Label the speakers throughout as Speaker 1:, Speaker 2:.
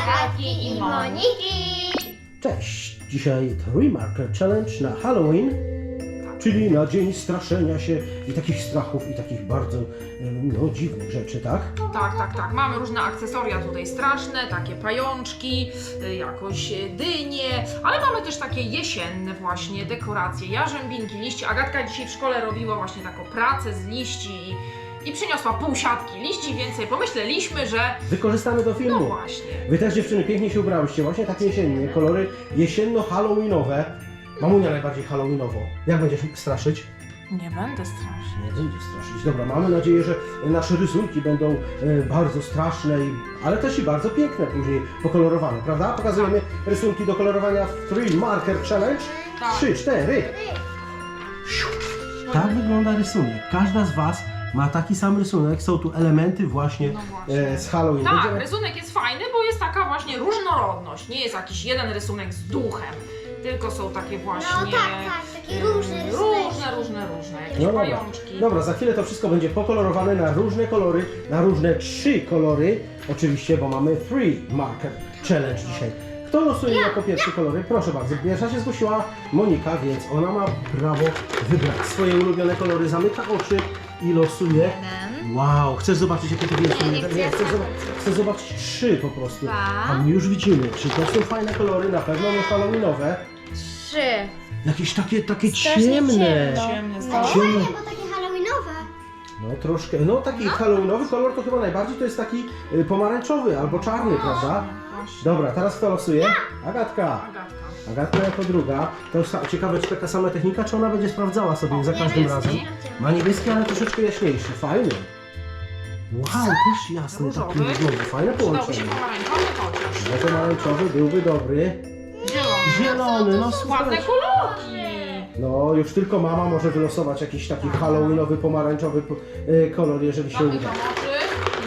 Speaker 1: Agatki i Moniki.
Speaker 2: Cześć! Dzisiaj 3 Marker Challenge na Halloween, czyli na dzień straszenia się i takich strachów i takich bardzo dziwnych rzeczy, tak?
Speaker 3: Tak. Mamy różne akcesoria tutaj straszne, takie pajączki, jakoś dynie, ale mamy też takie jesienne właśnie dekoracje, jarzębinki, liście. Agatka dzisiaj w szkole robiła właśnie taką pracę z liści i przyniosła pół siatki liści, więc sobie pomyśleliśmy, że
Speaker 2: Wykorzystamy do filmu.
Speaker 3: no właśnie.
Speaker 2: Wy też, dziewczyny, pięknie się ubrałyście, właśnie takie jesienne, kolory jesienno-halloweenowe. Mamunia najbardziej halloweenowo. Jak będziesz straszyć?
Speaker 3: Nie będę straszyć.
Speaker 2: Nie będzie straszyć. Dobra, mamy nadzieję, że nasze rysunki będą bardzo straszne, ale też i bardzo piękne później pokolorowane, prawda? Pokazujemy rysunki do kolorowania w 3 Marker Challenge.
Speaker 3: Tak.
Speaker 2: 3, 4. Tak wygląda rysunek. Każda z Was ma taki sam rysunek. Są tu elementy właśnie,
Speaker 3: No właśnie.
Speaker 2: z Halloween.
Speaker 3: Tak,
Speaker 2: Będziemy-
Speaker 3: rysunek jest fajny, bo jest taka właśnie różnorodność. Nie jest jakiś jeden rysunek z duchem, tylko są takie właśnie
Speaker 1: No tak, takie różne rysunki.
Speaker 3: różne, jakieś
Speaker 2: No dobra.
Speaker 3: pajączki.
Speaker 2: Dobra, za chwilę to wszystko będzie pokolorowane na różne kolory, na różne 3 kolory. Oczywiście, bo mamy 3 Marker Challenge dzisiaj. Kto losuje jako pierwszy kolory? Proszę bardzo, pierwsza się zgłosiła Monika, więc ona ma prawo wybrać swoje ulubione kolory, zamyka oczy i losuje. Wow, chcesz zobaczyć jakie to wielkie?
Speaker 1: Nie,
Speaker 2: Chcę zobaczyć 3 po prostu.
Speaker 1: Dwa.
Speaker 2: A my już widzimy, czy to są fajne kolory, na pewno nie halloweenowe.
Speaker 1: 3.
Speaker 2: Jakieś takie
Speaker 1: Strasznie
Speaker 2: ciemne.
Speaker 1: ciemno.
Speaker 3: Ciemne,
Speaker 1: No
Speaker 3: straszne.
Speaker 1: fajnie, bo takie halloweenowe.
Speaker 2: No troszkę, no taki halloweenowy kolor to chyba najbardziej to jest taki pomarańczowy albo czarny, prawda?
Speaker 3: Właśnie.
Speaker 2: Dobra, teraz kto losuje? Agatka.
Speaker 3: Agatka.
Speaker 2: Agatka jako druga. To jest ciekawe, czy taka sama technika, czy ona będzie sprawdzała sobie za każdym
Speaker 3: niebieski.
Speaker 2: razem. Ma niebieski, ale troszeczkę jaśniejszy. Fajny. Wow, też jasny taki
Speaker 3: Różowy.
Speaker 2: znowu. Fajne
Speaker 3: Przydałby
Speaker 2: połączenie.
Speaker 3: się pomarańczowy chociaż.
Speaker 2: No pomarańczowy byłby dobry. Zielony, no
Speaker 3: Ładne
Speaker 2: super.
Speaker 3: kolorki.
Speaker 2: No, już tylko mama może wylosować jakiś taki halloweenowy, pomarańczowy kolor, jeżeli się
Speaker 3: Zamykam
Speaker 2: uda.
Speaker 3: oczy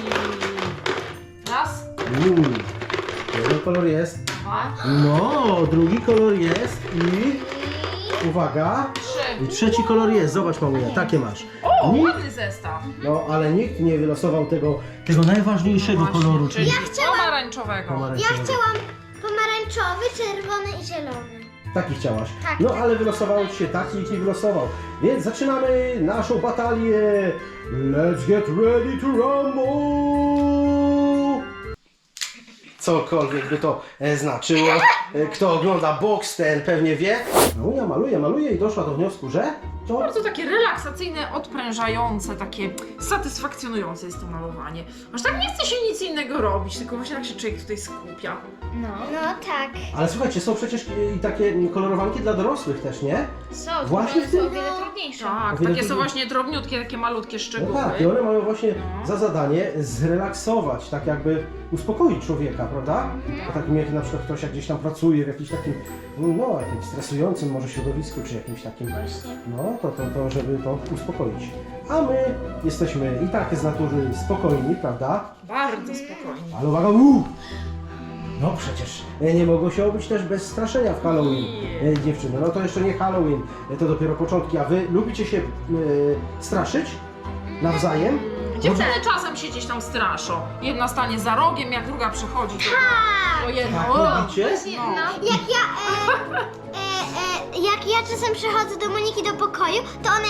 Speaker 3: i raz,
Speaker 2: Jeden kolor jest.
Speaker 3: dwa,
Speaker 2: No, drugi kolor jest i... Uwaga.
Speaker 3: trzy.
Speaker 2: I trzeci kolor jest. Zobacz, mamunia, takie masz.
Speaker 3: O,
Speaker 2: Nikt,
Speaker 3: ładny zestaw.
Speaker 2: no, ale nikt nie wylosował tego najważniejszego
Speaker 3: Właśnie,
Speaker 2: koloru,
Speaker 3: czyli
Speaker 2: czyli
Speaker 3: pomarańczowego.
Speaker 1: Ja
Speaker 2: pomarańczowego.
Speaker 1: chciałam pomarańczowy, czerwony i zielony.
Speaker 2: Taki chciałaś.
Speaker 1: Tak.
Speaker 2: No, ale wylosowało ci się taki, nikt nie wylosował. Więc zaczynamy naszą batalię. Let's get ready to rumble! Cokolwiek by to znaczyło. Kto ogląda box, ten pewnie wie. Mamunia maluje i doszła do wniosku, że to...
Speaker 3: Bardzo takie relaksacyjne, odprężające, takie satysfakcjonujące jest to malowanie. Aż tak nie chce się nic innego robić, tylko właśnie tak się człowiek tutaj skupia.
Speaker 1: No tak.
Speaker 2: Ale słuchajcie, są przecież i takie kolorowanki dla dorosłych też, nie?
Speaker 1: Są,
Speaker 2: Właśnie w tym-
Speaker 1: o wiele trudniejsze.
Speaker 3: Tak,
Speaker 2: O wiele
Speaker 3: takie są
Speaker 2: trudniej.
Speaker 3: właśnie drobniutkie, takie malutkie
Speaker 2: No
Speaker 3: szczegóły.
Speaker 2: tak, i one mają właśnie
Speaker 3: No.
Speaker 2: za zadanie zrelaksować, tak jakby uspokoić człowieka, prawda? Po takim jak na przykład ktoś jak gdzieś tam pracuje w jakimś takim, no jakimś stresującym może środowisku, czy jakimś takim, no to żeby to uspokoić. A my jesteśmy i tak z natury spokojni, prawda?
Speaker 3: Bardzo spokojnie.
Speaker 2: Ale uwaga, no przecież nie mogło się obyć też bez straszenia w Halloween, dziewczyny. No to jeszcze nie Halloween, to dopiero początki. A wy lubicie się straszyć nawzajem?
Speaker 3: Dziewczyny czasem się gdzieś tam straszą. Jedna stanie za rogiem, jak druga przechodzi, to jedno.
Speaker 2: Tak
Speaker 3: O!
Speaker 2: lubicie?
Speaker 1: No. Jak ja czasem przychodzę do Moniki do pokoju, to ona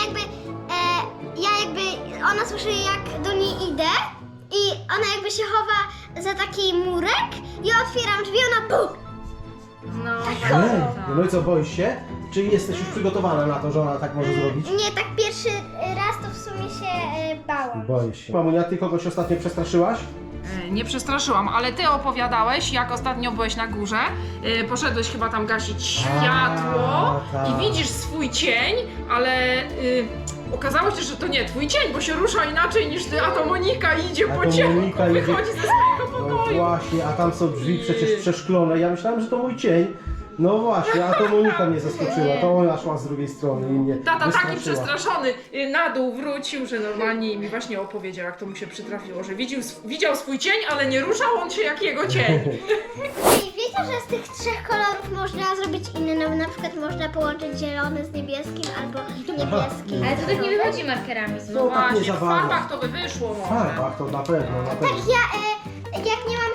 Speaker 1: ona słyszy jak do niej idę i ona jakby się chowa za taki murek, ja otwieram drzwi, ona puch!
Speaker 3: No,
Speaker 2: No i co, boisz się? Czy jesteś już przygotowana na to, że ona tak może zrobić?
Speaker 1: Nie, tak pierwszy raz to w sumie się bałam.
Speaker 2: Boisz się. Mamunia, ty kogoś ostatnio przestraszyłaś?
Speaker 3: Nie przestraszyłam, ale ty opowiadałeś, jak ostatnio byłeś na górze, poszedłeś chyba tam gasić światło
Speaker 2: tak.
Speaker 3: i widzisz swój cień, ale okazało się, że to nie twój cień, bo się rusza inaczej niż ty, a to Monika idzie
Speaker 2: A
Speaker 3: po
Speaker 2: to
Speaker 3: ciemku,
Speaker 2: Monika idzie-
Speaker 3: wychodzi ze swojego
Speaker 2: No
Speaker 3: pokoju.
Speaker 2: właśnie, a tam są drzwi przecież przeszklone. Ja myślałem, że to mój cień. No właśnie, a to Monika mnie zaskoczyła, to ona szła z drugiej strony i mnie
Speaker 3: Tata taki
Speaker 2: wystraszyła.
Speaker 3: przestraszony na dół wrócił, że normalnie mi właśnie opowiedział, jak to mu się przytrafiło, że widział swój cień, ale nie ruszał on się jak jego cień.
Speaker 1: I wiecie, że z tych trzech kolorów można zrobić inne, no na przykład można połączyć zielony z niebieskim albo niebieski.
Speaker 4: Ale to tak nie wychodzi markerami.
Speaker 3: No
Speaker 2: No tak nie
Speaker 3: właśnie,
Speaker 2: za
Speaker 3: w
Speaker 2: bardzo.
Speaker 3: farbach to by wyszło
Speaker 2: W
Speaker 3: może.
Speaker 2: farbach to na pewno, na
Speaker 1: Tak
Speaker 2: pewno.
Speaker 1: jak nie mam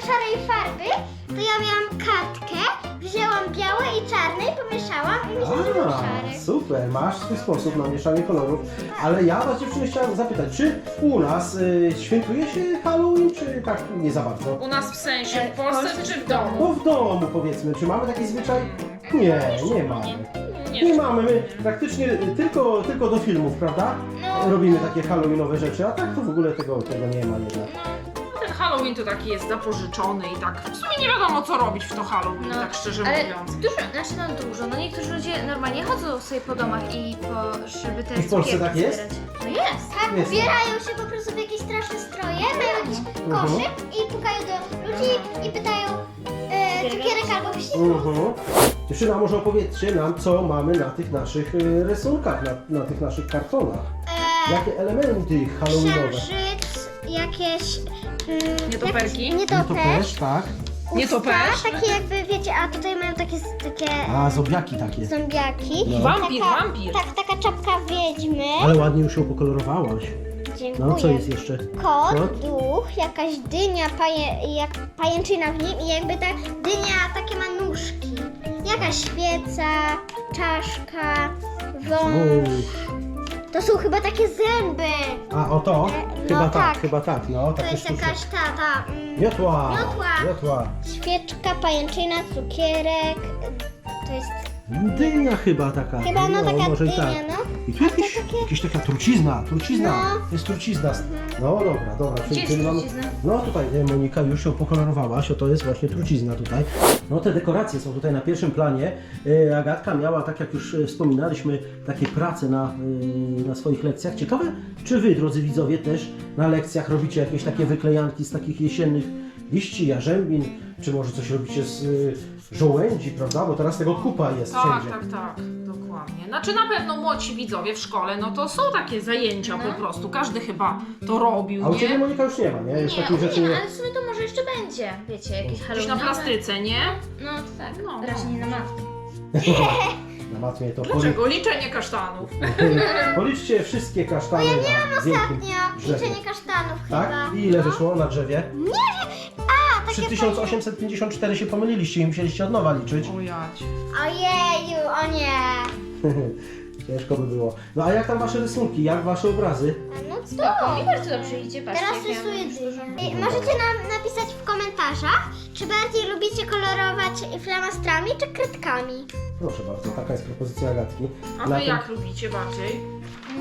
Speaker 1: szarej farby, to ja miałam kartkę, wzięłam białe i czarne i pomieszałam i mi się zrobił szary.
Speaker 2: Super, masz swój sposób na mieszanie kolorów. Ale ja was dziewczyny chciałem zapytać, czy u nas świętuje się Halloween, czy tak nie za bardzo?
Speaker 3: U nas w sensie w Polsce czy w domu?
Speaker 2: No w domu powiedzmy, czy mamy taki zwyczaj? Nie mamy. Nie
Speaker 3: Nie.
Speaker 2: mamy, my praktycznie tylko do filmów, prawda? Robimy takie halloweenowe rzeczy, a tak to w ogóle tego nie ma jednak.
Speaker 3: Ten Halloween to taki jest zapożyczony i tak w sumie nie wiadomo co robić w to Halloween, tak szczerze
Speaker 4: ale
Speaker 3: mówiąc.
Speaker 4: dużo, znaczy no dużo, no niektórzy ludzie normalnie chodzą sobie po domach żeby te
Speaker 2: I w Polsce
Speaker 4: cukierki
Speaker 2: tak jest?
Speaker 4: zbierać. No jest.
Speaker 1: Tak,
Speaker 2: Jest.
Speaker 1: ubierają się po prostu w jakieś straszne stroje, mają jakiś koszyk i pukają do ludzi i pytają cukierek albo wściekł.
Speaker 2: Dziewczyna, może opowiedzcie nam, co mamy na tych naszych rysunkach, na tych naszych kartonach. Jakie elementy halloweenowe?
Speaker 1: Księżyc, jakieś...
Speaker 3: Nietoperki?
Speaker 1: Nietoperz.
Speaker 2: tak.
Speaker 3: Nietoperz?
Speaker 1: Takie jakby, wiecie, a tutaj mają takie
Speaker 2: A, zombiaki takie.
Speaker 1: zombiaki.
Speaker 2: No.
Speaker 3: Wampir, wampir.
Speaker 1: Tak, taka czapka wiedźmy.
Speaker 2: Ale ładnie już ją pokolorowałaś.
Speaker 1: Dziękuję.
Speaker 2: No, co jest jeszcze?
Speaker 1: Kot,
Speaker 2: Kot?
Speaker 1: duch, jakaś dynia, jak pajęczyna w nim i jakby ta dynia takie ma nóżki. Jakaś świeca, czaszka, wąż. To są chyba takie zęby.
Speaker 2: A, o to?
Speaker 1: No tak.
Speaker 2: Chyba tak, no.
Speaker 1: To
Speaker 2: Takie
Speaker 1: jest
Speaker 2: sztuczne.
Speaker 1: jakaś ta
Speaker 2: Miotła!
Speaker 1: Miotła.
Speaker 2: Miotła.
Speaker 1: świeczka, pajęczyna, cukierek. To jest
Speaker 2: Dynia chyba taka.
Speaker 1: chyba taka
Speaker 2: może i
Speaker 1: dynia,
Speaker 2: tak.
Speaker 1: no.
Speaker 2: I tu jakieś taka trucizna.
Speaker 1: No.
Speaker 2: Jest trucizna. No dobra.
Speaker 4: Gdzie jest trucizna?
Speaker 2: No tutaj Monika już ją pokolorowałaś, to jest właśnie trucizna tutaj. No te dekoracje są tutaj na pierwszym planie. Agatka miała, tak jak już wspominaliśmy, takie prace na swoich lekcjach. Ciekawe, czy wy, drodzy widzowie, też na lekcjach robicie jakieś takie wyklejanki z takich jesiennych liści, jarzębin, czy może coś robicie z żołędzi, prawda? Bo teraz tego kupa jest
Speaker 3: Tak,
Speaker 2: wszędzie.
Speaker 3: tak, dokładnie. Znaczy na pewno młodsi widzowie w szkole, no to są takie zajęcia po prostu. Każdy chyba to robił,
Speaker 2: A u Ciebie,
Speaker 3: nie?
Speaker 2: Monika, już nie ma, nie? Już
Speaker 4: Nie,
Speaker 2: takich rzeczy
Speaker 4: nie,
Speaker 2: nie...
Speaker 4: ale w sumie to może jeszcze będzie, wiecie, jakieś
Speaker 3: Gdzieś na
Speaker 4: halloweenowe.
Speaker 3: plastyce, nie?
Speaker 4: No to tak,
Speaker 3: No,
Speaker 4: no, raczej nie na matkę.
Speaker 2: Na matmie to
Speaker 3: Dlaczego? Liczenie kasztanów.
Speaker 2: Policzcie wszystkie kasztany na wielkim
Speaker 1: Ostatnio
Speaker 2: drzewie.
Speaker 1: liczenie kasztanów
Speaker 2: Tak?
Speaker 1: chyba.
Speaker 2: I ile wyszło na drzewie?
Speaker 1: Nie wiem. A,
Speaker 2: Przy
Speaker 1: takie
Speaker 2: 1854 się pomyliliście i musieliście od nowa liczyć.
Speaker 3: O jać.
Speaker 1: Ojeju, o nie.
Speaker 2: Ciężko by było. No a jak tam wasze rysunki? Jak wasze obrazy?
Speaker 1: No co?
Speaker 4: Spoko, mi bardzo dobrze idzie, patrzcie.
Speaker 1: Teraz
Speaker 4: jak ja
Speaker 1: rysuję
Speaker 4: mam dużo.
Speaker 1: dynię. Możecie nam napisać w komentarzach, czy bardziej lubicie kolorować flamastrami czy kredkami.
Speaker 2: Proszę bardzo, taka jest propozycja Agatki.
Speaker 3: A
Speaker 2: Na
Speaker 3: wy
Speaker 2: tym-
Speaker 3: jak lubicie bardziej?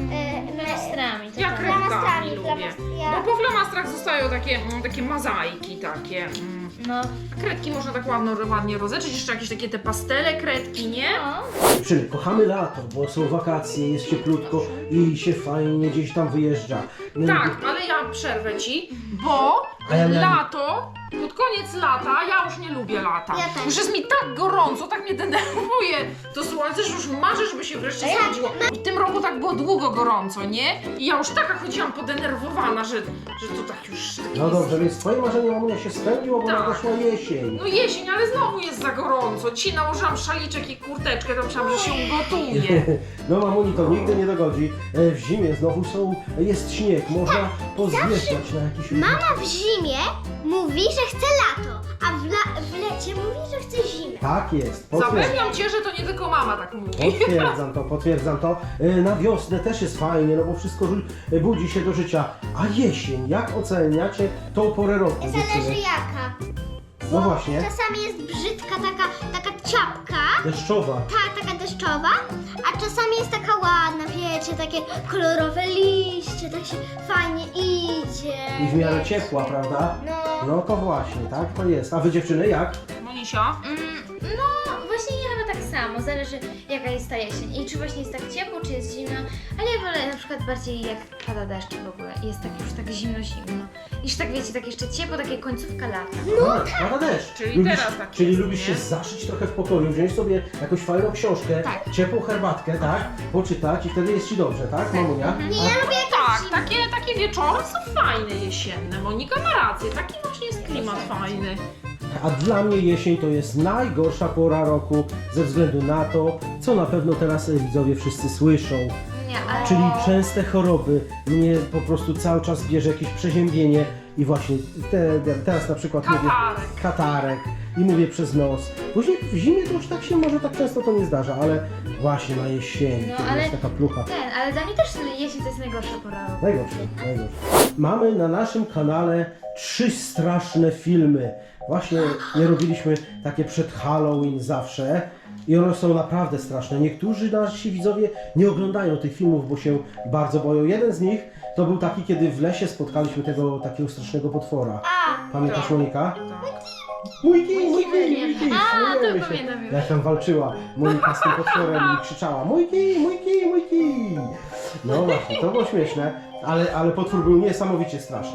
Speaker 4: Flamastrami, to
Speaker 3: Ja
Speaker 4: tak.
Speaker 3: kredkami lubię.
Speaker 1: ja-
Speaker 3: Bo po flamastrach zostają takie mozaiki takie.
Speaker 4: No,
Speaker 3: Kredki można tak ładnie rozetrzeć, jeszcze jakieś takie te pastele kredki, nie?
Speaker 4: no.
Speaker 2: Dziewczyny, kochamy lato, bo są wakacje, jest cieplutko i się fajnie gdzieś tam wyjeżdża.
Speaker 3: Tak, ale ja przerwę ci, bo
Speaker 2: A ja miałem-
Speaker 3: lato, pod koniec lata, ja już nie lubię lata.
Speaker 1: Ja też.
Speaker 3: Już jest mi tak gorąco, tak mnie denerwuje to słońce, że już marzę, żeby się wreszcie schodziło. W tym roku tak było długo gorąco, nie? I ja już taka chodziłam podenerwowana, że to tak już takie
Speaker 2: No
Speaker 3: jest.
Speaker 2: dobrze, więc twoje marzenie, mamunia, się spełniło, bo
Speaker 3: Tak.
Speaker 2: nadeszła jesień.
Speaker 3: No jesień, ale znowu jest za gorąco. Dzisiaj nałożyłam szaliczek i kurteczkę, to myślałam, że się ugotuje.
Speaker 2: No mamuni to nigdy nie dogodzi. W zimie znowu jest śnieg, można pozjeżdżać na jakiś...
Speaker 1: Mama w zimie mówi, że chce lato, a w lecie mówi, że chce zimę.
Speaker 2: Tak jest,
Speaker 3: Zapewniam cię, że to nie tylko mama tak mówi.
Speaker 2: Potwierdzam to. Na wiosnę też jest fajnie, no bo wszystko budzi się do życia. A jesień, jak oceniacie tą porę roku?
Speaker 1: Zależy
Speaker 2: dziewczyny?
Speaker 1: jaka.
Speaker 2: No właśnie,
Speaker 1: Czasami jest brzydka taka ciapka,
Speaker 2: deszczowa.
Speaker 1: taka deszczowa, a czasami jest taka ładna, wiecie, takie kolorowe liście, tak się fajnie idzie.
Speaker 2: I w miarę
Speaker 1: wiecie.
Speaker 2: ciepła, prawda?
Speaker 1: No.
Speaker 2: No to właśnie, tak to jest. A wy dziewczyny jak?
Speaker 3: Monisia?
Speaker 4: No, właśnie ja chyba tak samo, zależy jaka jest ta jesień i czy właśnie jest tak ciepło, czy jest zimno, ale ja wolę na przykład bardziej jak pada deszcz w ogóle, jest tak już tak zimno, niż tak wiecie, tak jeszcze ciepło, takie końcówka lata.
Speaker 2: No, pada deszcz.
Speaker 3: Czyli teraz tak
Speaker 2: Czyli
Speaker 3: jest,
Speaker 2: lubisz
Speaker 3: nie?
Speaker 2: się zaszyć trochę w pokoju, wziąć sobie jakąś fajną książkę,
Speaker 4: Tak.
Speaker 2: ciepłą herbatkę, tak? Poczytać i wtedy jest ci dobrze, tak, mamunia?
Speaker 1: Nie, ja lubię
Speaker 3: Tak, takie wieczory są fajne jesienne. Monika ma rację, taki właśnie jest klimat fajny.
Speaker 2: A dla mnie jesień to jest najgorsza pora roku ze względu na to, co na pewno teraz widzowie wszyscy słyszą.
Speaker 4: Nie, ale...
Speaker 2: Czyli częste choroby. Mnie po prostu cały czas bierze jakieś przeziębienie. i właśnie teraz na przykład mówię katarek i mówię przez nos. Później w zimie to już tak się może tak często to nie zdarza, ale właśnie na jesieni,
Speaker 4: No,
Speaker 2: kiedy
Speaker 4: ale
Speaker 2: jest taka plucha.
Speaker 4: ale dla mnie też jesień to jest najgorsza pora roku.
Speaker 2: Najgorsze. Mamy na naszym kanale 3 straszne filmy. Właśnie je robiliśmy takie przed Halloween zawsze i one są naprawdę straszne. Niektórzy nasi widzowie nie oglądają tych filmów, bo się bardzo boją. Jeden z nich to był taki, kiedy w lesie spotkaliśmy tego takiego strasznego potwora. Pamiętasz, Monika? Mój kij!
Speaker 4: A, to
Speaker 2: Śmiejemy się.
Speaker 4: pamiętam już.
Speaker 2: Jak tam walczyła Monika z tym potworem i krzyczała mój kij! No właśnie, to było śmieszne, ale potwór był niesamowicie straszny.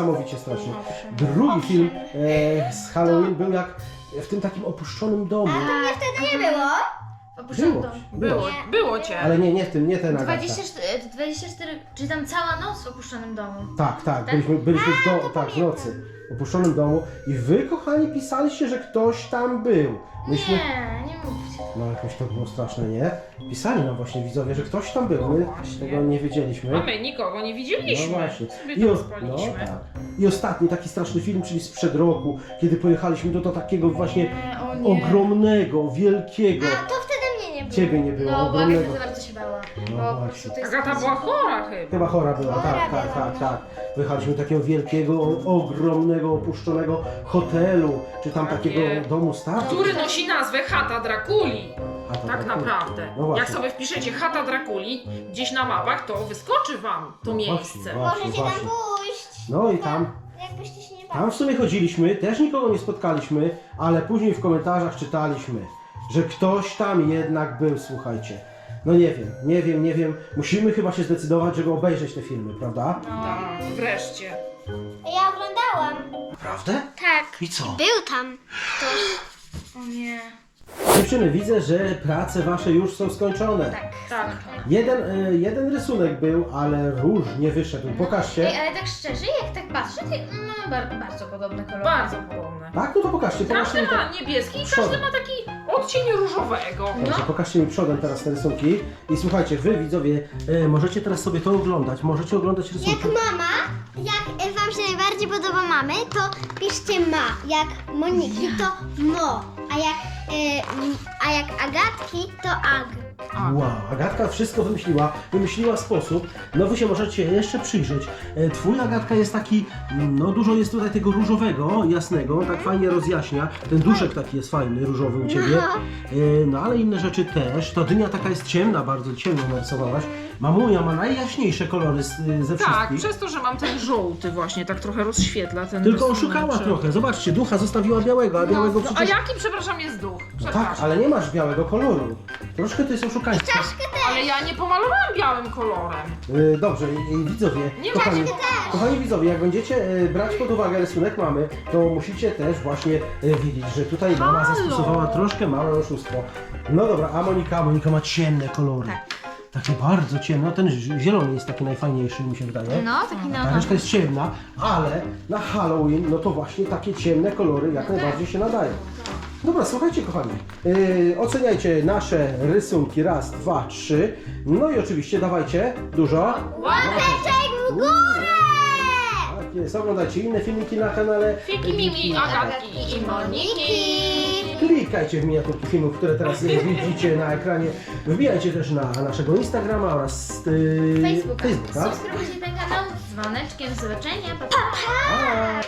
Speaker 2: Drugi film z Halloween był jak w tym takim opuszczonym domu.
Speaker 1: Mnie wtedy nie było.
Speaker 4: Opuszczam dom.
Speaker 3: Było cię.
Speaker 2: Ale nie w tym, nie ten Agatka.
Speaker 4: 24, czy tam cała noc w opuszczonym domu.
Speaker 2: Tak, byliśmy w nocy, w opuszczonym domu i wy, kochani, pisaliście, że ktoś tam był. Myśmy...
Speaker 4: Nie mówcie.
Speaker 2: No jakoś to było straszne, nie? Pisali nam właśnie widzowie, że ktoś tam był, my
Speaker 3: właśnie.
Speaker 2: tego nie wiedzieliśmy.
Speaker 3: A my nikogo nie widzieliśmy.
Speaker 2: No właśnie.
Speaker 3: Sobie tam spaliśmy.
Speaker 2: tak. I ostatni taki straszny film, czyli sprzed roku, kiedy pojechaliśmy do takiego właśnie
Speaker 4: O nie.
Speaker 2: ogromnego, wielkiego.
Speaker 1: A to wtedy mnie nie było.
Speaker 2: Ciebie nie było,
Speaker 4: No, bo
Speaker 2: ogromnego.
Speaker 4: Agata za bardzo się bała.
Speaker 2: No
Speaker 4: Bo po
Speaker 2: właśnie.
Speaker 4: prostu to jest...
Speaker 3: Agata była chora chyba.
Speaker 2: Chyba chora była, tak. Pojechaliśmy do takiego wielkiego, ogromnego, opuszczonego hotelu, czy tam
Speaker 3: Takie.
Speaker 2: takiego domu starców.
Speaker 3: Który nosi nazwę Chata Drakuli.
Speaker 2: A to
Speaker 3: Tak naprawdę.
Speaker 2: No właśnie.
Speaker 3: Jak sobie wpiszecie Chata Drakuli gdzieś na mapach, to wyskoczy wam to miejsce.
Speaker 1: Możecie tam pójść.
Speaker 2: No i tam
Speaker 1: Jakbyście się nie bali.
Speaker 2: Tam w sumie chodziliśmy, też nikogo nie spotkaliśmy, ale później w komentarzach czytaliśmy, że ktoś tam jednak był, słuchajcie. No nie wiem. Musimy chyba się zdecydować, żeby obejrzeć te filmy, prawda?
Speaker 3: Tak, wreszcie.
Speaker 1: Ja oglądałam.
Speaker 2: Naprawdę?
Speaker 1: Tak.
Speaker 2: I co?
Speaker 1: Był tam ktoś.
Speaker 4: O nie.
Speaker 2: Dziewczyny, widzę, że prace wasze już są skończone.
Speaker 3: Tak.
Speaker 2: Jeden rysunek był, ale róż nie wyszedł. Pokażcie.
Speaker 4: Ej, ale tak szczerze, jak tak patrzę, to mamy bardzo podobne kolory.
Speaker 3: Bardzo podobne.
Speaker 2: Tak? No to pokażcie mi
Speaker 3: Każdy ma
Speaker 2: tak.
Speaker 3: niebieski i
Speaker 2: przodem.
Speaker 3: każdy ma taki odcień różowego.
Speaker 2: Dobrze, pokażcie mi przodem teraz te rysunki. I słuchajcie, wy widzowie, możecie teraz sobie to oglądać. Możecie oglądać rysunki.
Speaker 1: Jak mama, jak wam się najbardziej podoba mamy, to piszcie ma. Jak Moniki, to mo. A jak Agatki, to ag.
Speaker 2: Wow, Agatka wszystko wymyśliła sposób. No wy się możecie jeszcze przyjrzeć. Twój, Agatka, jest taki, no dużo jest tutaj tego różowego, jasnego, tak fajnie rozjaśnia. Ten duszek taki jest fajny, różowy u ciebie. No ale inne rzeczy też. Ta dynia taka jest ciemna, bardzo ciemno narysowałaś. Mamunia ma najjaśniejsze kolory ze
Speaker 3: Tak,
Speaker 2: wszystkich.
Speaker 3: przez to, że mam ten żółty właśnie, tak trochę rozświetla ten
Speaker 2: Tylko
Speaker 3: rysunek,
Speaker 2: oszukała
Speaker 3: że-
Speaker 2: trochę. Zobaczcie, ducha zostawiła białego, a białego
Speaker 3: No, a
Speaker 2: przecież...
Speaker 3: jaki, przepraszam, jest duch?
Speaker 2: No
Speaker 3: Przepraszam.
Speaker 2: tak, ale nie masz białego koloru. Troszkę to jest oszukaństwo.
Speaker 3: Ale ja nie pomalowałam białym kolorem.
Speaker 2: Dobrze, i widzowie,
Speaker 3: Nie
Speaker 2: kochani widzowie, jak będziecie brać pod uwagę rysunek mamy, to musicie też właśnie wiedzieć, że tutaj mama
Speaker 3: Halo.
Speaker 2: zastosowała troszkę małe oszustwo. No dobra, a Monika ma ciemne kolory. Takie bardzo ciemne, ten zielony jest taki najfajniejszy, mi się wydaje.
Speaker 4: No, taki
Speaker 2: Ta reszta jest ciemna, ale na Halloween, no to właśnie takie ciemne kolory jak najbardziej się nadają. Dobra, słuchajcie kochani, oceniajcie nasze rysunki, raz, dwa, trzy, no i oczywiście dawajcie dużo.
Speaker 1: Łapeczek w górę!
Speaker 2: Tak jest, oglądajcie inne filmiki na kanale.
Speaker 3: Fiki, Mimi, Agatki i Moniki.
Speaker 2: Klikajcie w miniaturki filmów, które teraz widzicie na ekranie. Wbijajcie też na naszego Instagrama oraz
Speaker 4: Facebooka.
Speaker 2: Facebooka.
Speaker 4: Subskrybujcie ten kanał z dzwoneczkiem. Do zobaczenia. Pa, pa.
Speaker 2: Pa!